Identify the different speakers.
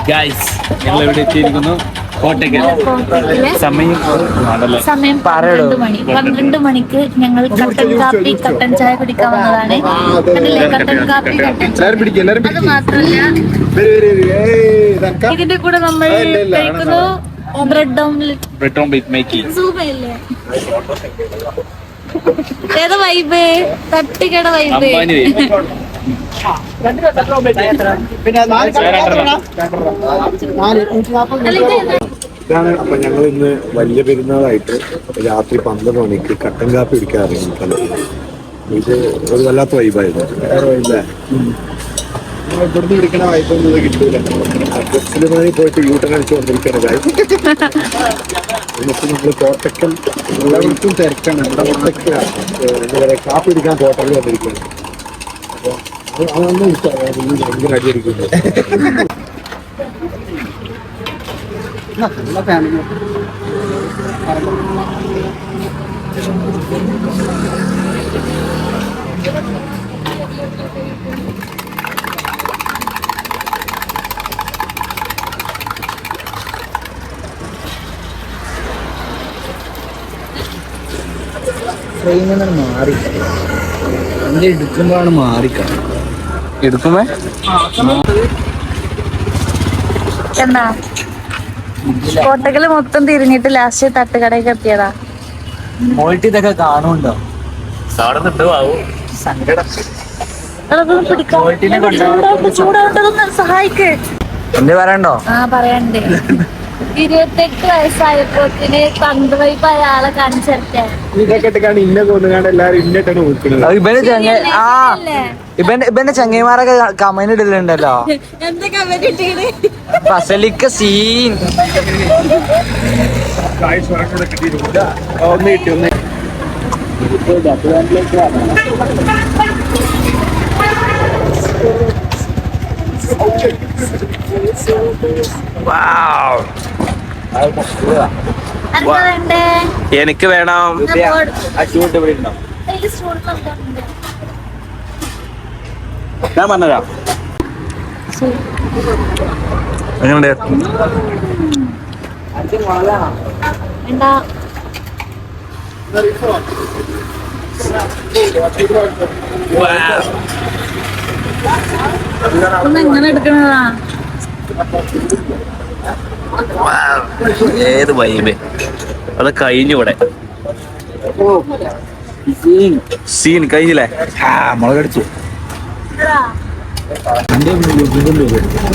Speaker 1: Guys ഞങ്ങൾ ഇവിടെ എത്തിയിരിക്കുന്നു കോട്ടയ്ക്കൽ. സമയം
Speaker 2: 12 മണി. 12 മണിക്ക് ഞങ്ങൾ കട്ടൻ കാപ്പി കട്ടൻ ചായ കുടിക്കാൻ വന്നതാണ്. അതില്ലേ കട്ടൻ കാപ്പി കട്ടൻ ചായ. അത് മാത്രമല്ല ഇതിന്റെ കൂടെ നമ്മൾ കഴിക്കുന്നു ബ്രെഡ് ഓംലെറ്റ്
Speaker 1: മേക്കിംഗ്.
Speaker 2: സൂപ്പല്ലേ? ഏതാ വൈബ്? തട്ടിക്കട വൈബ്.
Speaker 3: ഇതാണ്. അപ്പൊ ഞങ്ങൾ ഇന്ന് വലിയ പെരുന്നാളായിട്ട് രാത്രി 12 മണിക്ക് കട്ടൻ കാപ്പി കുടിക്കാൻ ഇറങ്ങിയിട്ടുള്ളത്. ഇത് ഒരു വല്ലാത്ത വൈബായിരുന്നു. ഇവിടുന്ന് പിടിക്കണ വൈബൊന്നും ഇത് കിട്ടൂല. ബസ്സിലുമായി പോയിട്ട് യൂട്ടൺ അടിച്ചു കൊണ്ടിരിക്കണ എന്നിട്ട് നമ്മൾ കോട്ടക്കൽ എല്ലാവർക്കും തിരക്കാണ്. ഇവിടെ കോട്ടയ്ക്ക് എന്താ പറയുക, കാപ്പി കുടിക്കാൻ കോട്ടക്കൽ വന്നിരിക്കുകയാണ്. അപ്പോൾ അതൊന്നും ഭയങ്കര അടിയടിക്കുന്നത്.
Speaker 4: ട്രെയിനിൽ നിന്ന് മാറി എന്റെ എടുക്കുമ്പോഴാണ് മാറിക്കണം.
Speaker 1: എടുക്കുമേ
Speaker 2: എന്താ കോട്ടക്കല് മൊത്തം തിരിഞ്ഞിട്ട് ലാസ്റ്റ് തട്ടുകടയൊക്കെ എത്തിയതാ.
Speaker 4: മോൾട്ടി ഇതൊക്കെ കാണുന്നുണ്ടോ?
Speaker 2: ചൂടാവട്ടതൊന്ന് സഹായിക്ക്.
Speaker 4: എന്ത് പറയണ്ടോ?
Speaker 2: ആ പറയണ്ടേ. 28 വയസ്സായപ്പോത്തിന് പന്തുവൈപ്പായ ആളെ കാണിച്ചെടുത്തേ.
Speaker 3: ഇതൊക്കെ ഇന്നെ കൊന്നുകാണ്ട് എല്ലാവരും ഇന്നിട്ടാണ് വിളിക്കുന്നത്.
Speaker 4: ഇവന്റെ ചങ്ങൈമാരൊക്കെ കമന്റ് ഇടലുണ്ടല്ലോ.
Speaker 2: എന്താ കമന്റ് ഇട്ടീണ്?
Speaker 4: ഫസലിക്ക സീൻ
Speaker 3: ഒന്ന് കിട്ടി ഒന്ന്.
Speaker 2: എന്താ വേണ്ടേ?
Speaker 1: എനിക്ക് വേണം. ഞാൻ പറഞ്ഞതാ. എങ്ങനെയുണ്ട്?
Speaker 2: എന്താ ഒന്ന് എങ്ങനെ എടുക്കണതാ?
Speaker 1: ഏത് വൈബ് അത് കഴിഞ്ഞു. ഇവിടെ സീൻ കഴിഞ്ഞില്ലേ?
Speaker 4: മുളകടിച്ചു.